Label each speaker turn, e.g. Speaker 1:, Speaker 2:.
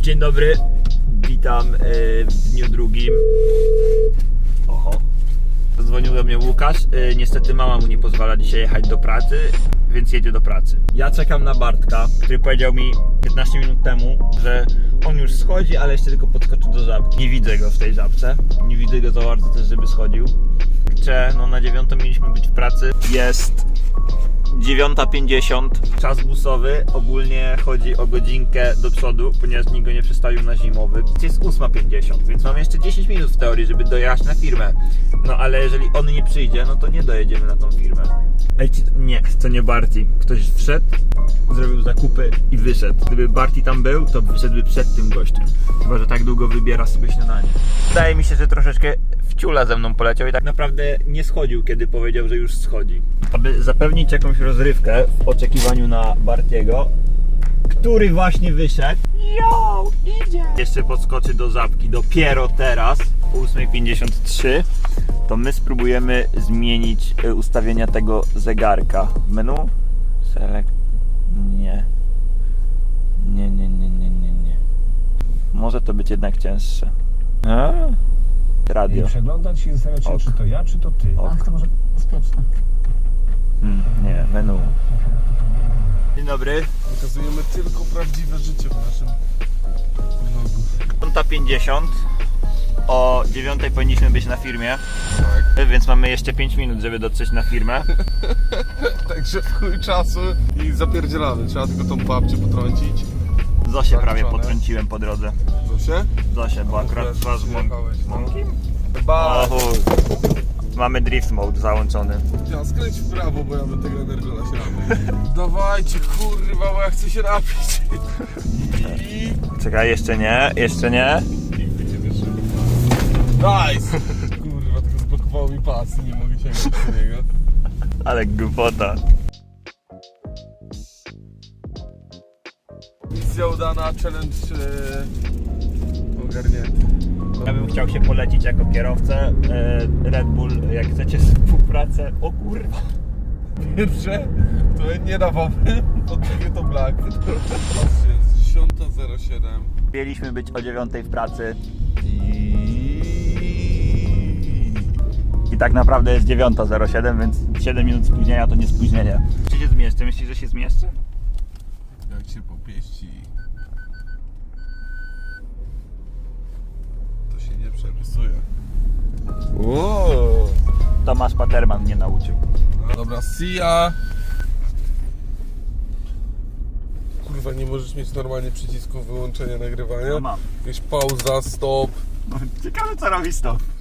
Speaker 1: Dzień dobry, witam w dniu drugim. Oho. Zadzwonił do mnie Łukasz. Niestety mama mu nie pozwala dzisiaj jechać do pracy, więc jedzie do pracy. Ja czekam na Bartka, który powiedział mi 15 minut temu, że on już schodzi, ale jeszcze tylko podskoczy do żabki. Nie widzę go w tej żabce. Nie widzę go za bardzo też, żeby schodził. No na 9 mieliśmy być w pracy. Jest 9:50, czas busowy. Ogólnie chodzi o godzinkę do przodu, ponieważ nikt go nie przestawił na zimowy. Jest 8:50, więc mamy jeszcze 10 minut w teorii, żeby dojechać na firmę. No ale jeżeli on nie przyjdzie, no to nie dojedziemy na tą firmę. Ej, nie, to nie Barty. Ktoś wszedł, zrobił zakupy i wyszedł. Gdyby Barty tam był, to wyszedłby przed tym gościem. Chyba że tak długo wybiera sobie śniadanie. Wydaje mi się, że troszeczkę w ciula ze mną poleciał i tak naprawdę nie schodził, kiedy powiedział, że już schodzi. Aby zapewnić jakąś rozrywkę w oczekiwaniu na Bartiego, który właśnie wyszedł. Jo, idzie! Jeszcze podskoczy do żabki dopiero teraz, o 8:53. To my spróbujemy zmienić ustawienia tego zegarka. W menu? Select. Nie. Nie. Może to być jednak cięższe. Radio.
Speaker 2: I przeglądać się i zastanawiać się, czy to ja, czy to ty.
Speaker 3: Ach, to może bezpieczne.
Speaker 1: Nie, menu. Dzień dobry.
Speaker 4: Pokazujemy tylko prawdziwe życie w naszym vlogu.
Speaker 1: 9:50. O 9:00 powinniśmy być na firmie.
Speaker 4: Tak.
Speaker 1: Więc mamy jeszcze 5 minut, żeby dotrzeć na firmę.
Speaker 4: Także w chuj czasu i zapierdzielamy. Trzeba tylko tą babcię potrącić.
Speaker 1: Zosię prawie
Speaker 4: Zaliczone.
Speaker 1: potrąciłem po drodze.
Speaker 4: Zosie?
Speaker 1: Zosię, bo akurat
Speaker 4: Wiesz,
Speaker 1: twarz
Speaker 4: jechałeś, no.
Speaker 1: mąki.
Speaker 4: Chyba.
Speaker 1: Mamy drift mode załączony.
Speaker 4: Ja skręć w prawo, bo ja bym tego energola się napił. Dawajcie, kurwa, bo ja chcę się napić.
Speaker 1: Czekaj, jeszcze nie.
Speaker 4: Nigdy nie wierzyłem. Nice! Kurwa, tylko zblokowało mi pas, nie mogę sięgnąć do niego.
Speaker 1: Ale głupota.
Speaker 4: Misja udana, challenge ogarnięty.
Speaker 1: Ja bym chciał się polecić jako kierowcę. Red Bull, jak chcecie współpracę. O kurwa.
Speaker 4: Pierwsze, to nie dawałbym, po drugie to Black. Patrzcie, jest 10:07
Speaker 1: Mieliśmy być o 9:00 w pracy. I tak naprawdę jest 9:07, więc 7 minut spóźnienia to nie spóźnienie. Czy się zmieszczę? Myślisz, że się zmieszczę?
Speaker 4: Jak się popieści, to się nie przerysuje. Wow.
Speaker 1: Tomasz Paterman mnie nauczył.
Speaker 4: Dobra, see ya. Kurwa, nie możesz mieć normalnie przycisku wyłączenia nagrywania?
Speaker 1: No mam.
Speaker 4: Jakaś pauza, stop.
Speaker 1: Ciekawe co robi stop.